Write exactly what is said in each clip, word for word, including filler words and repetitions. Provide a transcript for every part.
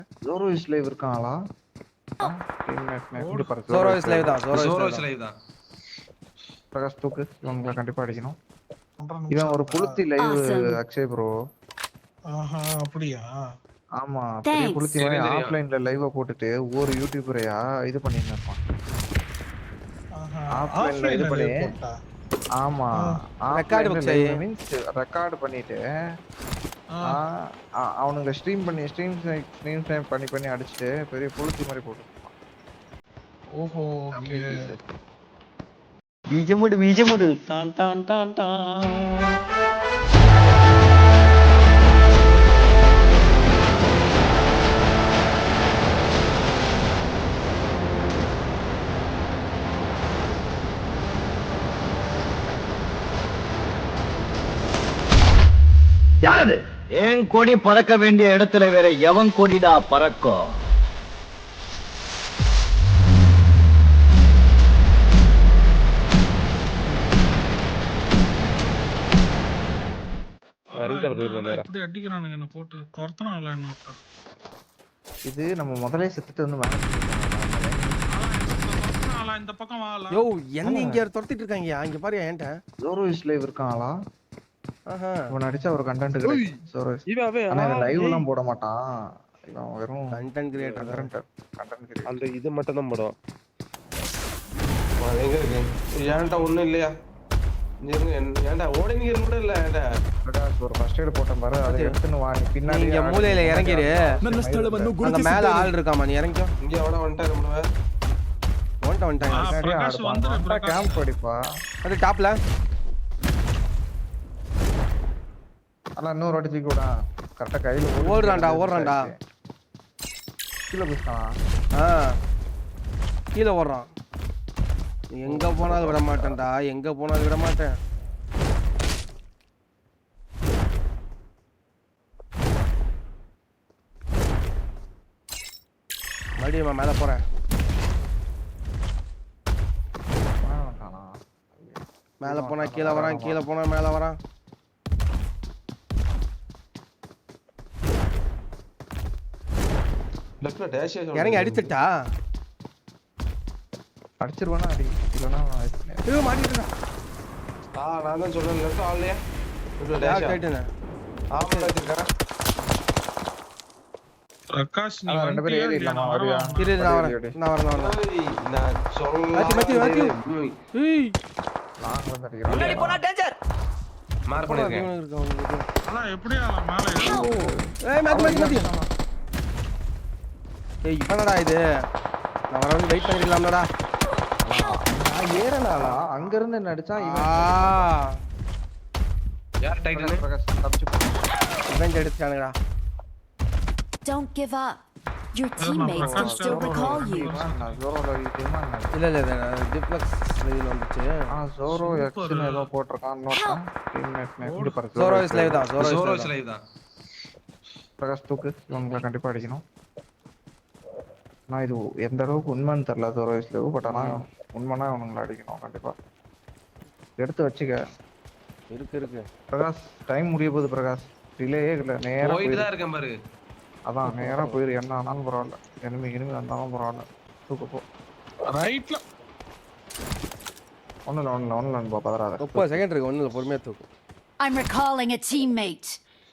ஜோரோ is live இருக்காங்களா? Teammate இங்க பாரு ஜோரோ இஸ் லைவ் தான். ஜோரோ இஸ் லைவ் தான். பிரகாஷ் தூக்கு இவங்களை கண்டிப்பா அடிக்கணும். இவன் ஒரு புளுத்தி லைவ் அக்ஷய் ப்ரோ. ஆஹா அப்படியா? ஆமா பெரிய புளுத்தி மாதிரி ஆஃப்லைன்ல லைவ் போட்டுட்டு ஒவ்வொரு யூடியூபரையா இது பண்ணிட்டு இருப்பான். ஆஃப்லைன்ல இது பண்ணி ஆமா ஆஃப்லைன்ல மீன்ஸ் ரெக்கார்ட் பண்ணிட்டு அவனுங்க ஸ்ட்ரீம் பண்ணி ஸ்ட்ரீம் ஸ்ட்ரீம் டைம் பண்ணி பண்ணி அடிச்சிட்டு பெரிய புளுத்தி மாதிரி போட்டு. ஓஹோ ஓகே. பீஜமுடு பீஜமுடு டான் டான் டான் டான். யாரு ஏன் கொடி பறக்க வேண்டிய இடத்துல வேற எவன் கொடிடா பறக்கும்? இது நம்ம முதலே செத்துட்டு வந்து இந்த பக்கம் வாடா. யோ என்ன இங்க துரத்திட்டு இருக்காங்க? அங்க பாரு ஏன்டா ஜோரோ இஸ் லைவ் இருக்காங்களா? ஆஹா இவன் அடிச்சா ஒரு கண்டென்ட் கிரியேட்டர். ஜோரோ இவன் ஆனா லைவ் எல்லாம் போட மாட்டான். இவன் வெறும் கண்டென்ட் கிரியேட்டர். கண்டென்ட் கிரியேட்டர் அந்த இது மட்டும் தான் போடுவான். எங்க இருக்கு? ஏன்டா ஒண்ணும் இல்லையா? ஏன்டா ஓடிங்க கூட இல்ல. ஏன்டா பிரகாஷ் ஒரு ஃபர்ஸ்ட் எய்ட் போட்டேன் பாரு. அதை எடுத்துன்னு வா. நீ பின்னாடி இங்க மூலையில இறங்கிரு. அந்த மேல ஆள் இருக்காமா, நீ இறங்கிக்கோ. இங்க எவனா வந்துட்டாரு நம்மள. ஓன்ட்ட வந்துட்டாங்க. பிரகாஷ் வந்து கேம்ப் படிப்பா. அது டாப்ல. அண்ணா இன்னொரு வாட்டி தூக்கி விடா. கரெக்டா கையில ஓடுறான்டா ஓடுறான்டா. கீழ குதிச்சானா? ஆ கீழ ஓடுறான். எங்க போனாலும் விட மாட்டேன்டா. எங்க போனாலும் விட மாட்டேன். மறுபடியும் மேல போறேன். மேல போனா கீழே வரான், கீழே போனா மேல வரான். லெஃப்ட்ல டேஷ் இறங்கி அடிச்சிட்டா. அடிச்சிருவானா? அடி இல்லனா ஏய் மாட்டிட்டா. ஆ நான் தான் சொல்றேன் லெஃப்ட் ஆல்லையா. லெஃப்ட்ல டேஷ் ஆயிட்டேனே. ஆமா வச்சிருக்கேன். பிரகாஷ் நீ ரெண்டு பேரும் ஏறி இல்லமா வரியா? இரு நான் வரேன். நான் வரேன் நான் வரேன். நான் சொல்றேன். மாத்தி மாத்தி மாத்தி. ஏய் நான் வந்து அடிக்கிறேன். முன்னாடி போனா டேஞ்சர். மார்க் பண்ணிருக்கேன். அண்ணா எப்படியா மேலே ஏறு? ஏய் மாத்தி மாத்தி மாத்தி. ஏய் இப்பனடா இது? நான் வரவங்க வெயிட் பண்ணிரலாம்டா. நான் ஏறலாடா. அங்க இருந்து என்ன அடிச்சா இவன். யார் டைட்டில்? பிரகாஷ் தப்பிச்சு போ. இவன் எடுத்துட்டானுடா. Don't give up. Your teammates can still recall you. நான் ஜோரோல டீமா நான். இல்ல இல்ல இல்ல டிப்ளக்ஸ் லைவ் வந்துச்சு. ஆ ஜோரோ எக்ஸ்னு ஏதோ போட்டுருக்கான். இன்னொருத்தன் டீம்மேட் நேம் இங்க பாரு. ஜோரோ இஸ் லைவ் தான். ஜோரோ இஸ் லைவ் தான். பிரகாஷ் தூக்கு இவங்களை கண்டிப்பா அடிக்கணும். நான் இது எந்த அளவுக்கு உண்மைன்னு தெரியல ஜோரோ இஸ் லைவ். பட் ஆனா உண்மைனா இவங்களை அடிக்கணும் கண்டிப்பா. எடுத்து வச்சுக்க. இருக்கு இருக்கு. பிரகாஷ் டைம் முடிய போகுது பிரகாஷ். டிலே இல்ல நேரா போயிட்டு தான் இருக்கேன் பாரு. அதான் நேரா போயிரு. என்ன ஆனாலும் பரவாயில்ல. எனிமி எனிமி வந்தாலும் பரவாயில்ல. தூக்கு போ. ரைட்ல ஒண்ணுல ஒண்ணுல ஒண்ணுல போ பதறாத. முப்பது செகண்ட் இருக்கு. ஒண்ணுல பொறுமையா தூக்கு. I'm recalling a teammate.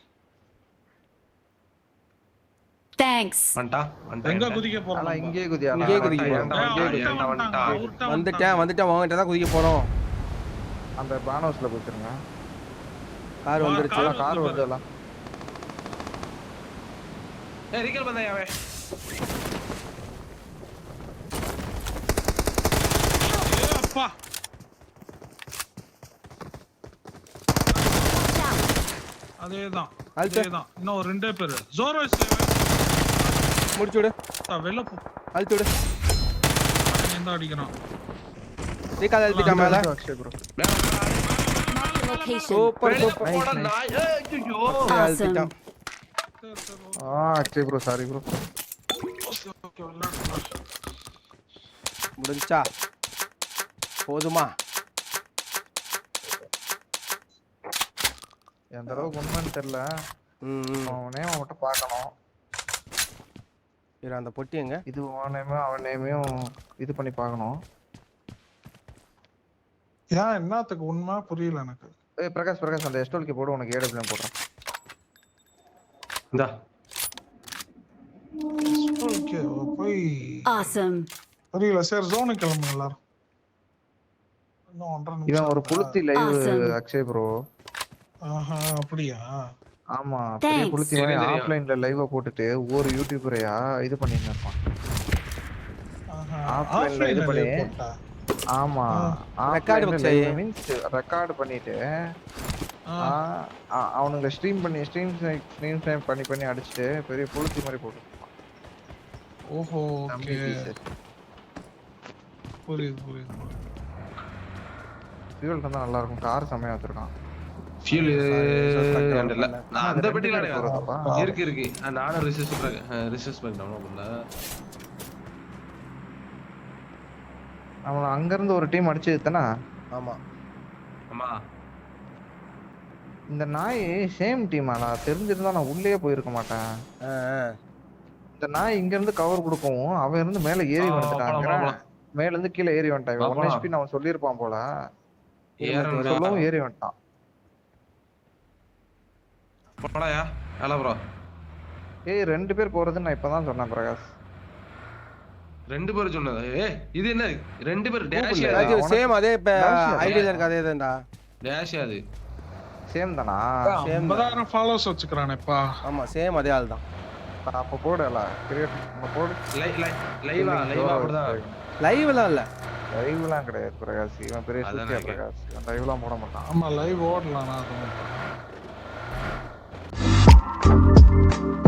Thanks. வந்துட்டா வந்துட்டா. எங்க குதிக்க ஆனா போறோம்? இங்கே குதியா. இங்கே குதிக்க வந்துட்டேன் வந்துட்டேன் உன்கிட்ட தான் குதிக்க போறோம். அந்த பானோஸ்ல குதிச்சிருங்க. கார் வந்துருச்சு. கார் வருதுல. ஏய் ரீகல் பண்ணயா வே. ஏய் அப்பா. அதேதான் அதேதான். இன்னும் ரெண்டே பேர். ஜோரோ இஸ் முடிச்சு விடு. வெளில போ. அழுத்தி விடு. எந்த அடிக்கறான்? ரீகால் அழுத்திட்டா மேல. Super super. ஐயோ அழுத்திட்டான். ஆ அக்ஷய் ப்ரோ சாரி ப்ரோ. முடிஞ்சா போதுமா? எந்த அளவுக்கு உண்மைன்னு தெரியல. ம் அவனே அவன்கிட்ட பார்க்கணும். இரு அந்த பொட்டி எங்க? இது உன் நேமையும் அவன் நேமையும் இது பண்ணி பார்க்கணும். ஏன் என்னத்துக்கு உண்மை புரியல எனக்கு. ஏய் பிரகாஷ் பிரகாஷ் அந்த எஸ்டோல்கே போடு, உனக்கு ஏடபிள்யூஎம் போடுறேன். இந்தா ஓகே போய் Awesome. புரியல. சரி ஜோனுக்கு கிளம்புங்க எல்லாரும். இன்னும் ஒன்றரை இவன் நிமிஷம் ஒரு புளுத்தி லைவ் Awesome. அக்ஷய் ப்ரோ. ஆஹா அப்படியா? ஆமா பெரிய Thanks. புளுத்தி தெரியும், தெரியும். ஆஃப்லைன்ல லைவ் போட்டுட்டு ஒவ்வொரு யூடியூபரையா இது பண்ணிட்டு இருப்பான். ஆஹா ஆஃப்லைன்ல இது ஆஃப்லைன்ல பண்ணி போட்டா. ஆமா Record book செய்ய. மீன்ஸ் ரெக்கார்ட் பண்ணிட்டு ஆ, ஆ, ஆ, அவனுங்க ஸ்ட்ரீம் பண்ணி ஸ்ட்ரீம் ஸ்ட்ரீம் டைம் பண்ணி பண்ணி அடிச்சுட்டு பெரிய புளுத்தி மாதிரி போட்டு ஓஹோ ஓகே புரியுது புரியுது. ஃபியூல் இருந்தா நல்லா இருக்கும். கார் செமையா வச்சிருக்கான். ஃபியூல் இல்ல நான் அந்த அது பெட்டில ரெண்டு பேர் போறதாப்பா? இருக்கு இருக்கு ஆ, நானும் ரிசர்ச் ரிசர்ச் பண்ணேன் உள்ள. அவன் அங்க இருந்து ஒரு டீம் அடிச்சது தானே. ஆமா. ஆமா இந்த நாய் சேம் டீமாடா. தெரிஞ்சிருந்தா நான் உள்ளே போயிருக்க மாட்டேன். ஆ, ஆ. இந்த நாய் இங்க இருந்து கவர் கொடுக்கவும் அவன் இருந்து மேல ஏறி ஆ, வந்துட்டான். போலாம், போலாம். மேல இருந்து கீழே ஏறி வந்துட்டான். ஒன் போலாம். ஹெச்பி அவன் சொல்லியிருப்பான் போல. ஏறணும் சொல்லவும் ஏறி வந்துட்டான். போடாயா ஹலோ ப்ரோ. ஏய் ரெண்டு பேர் போறதுன்னு நான் இப்பதான் சொன்னேன் பிரகாஷ். ரெண்டு பேர் சொன்னது. ஏய் இது என்ன ரெண்டு பேர் டேஷ் இல்ல. ராஜு உனக்கு- சேம் அதே இப்ப Dash ஐடியில இருக்க அதே தான்டா. டேஷ் அது சேம் தானா? ஐம்பதாயிரம் ஃபாலோவர்ஸ் வச்சுக்கிறானேப்பா. ஆமா சேம் அதே ஆள் தான். அப்ப போடல கிரியேட் போடு. லை லை லைவா லைவா அப்படிதான். லைவ்லாம் இல்ல. லைவ்லாம் கிடையாது பிரகாஷ். இவன் பெரிய அதான் சூத்தியா நான் பிரகாஷ். இவன் லைவ்லாம் போட மாட்டான். ஆமா லைவ் ஓடலாம். நான்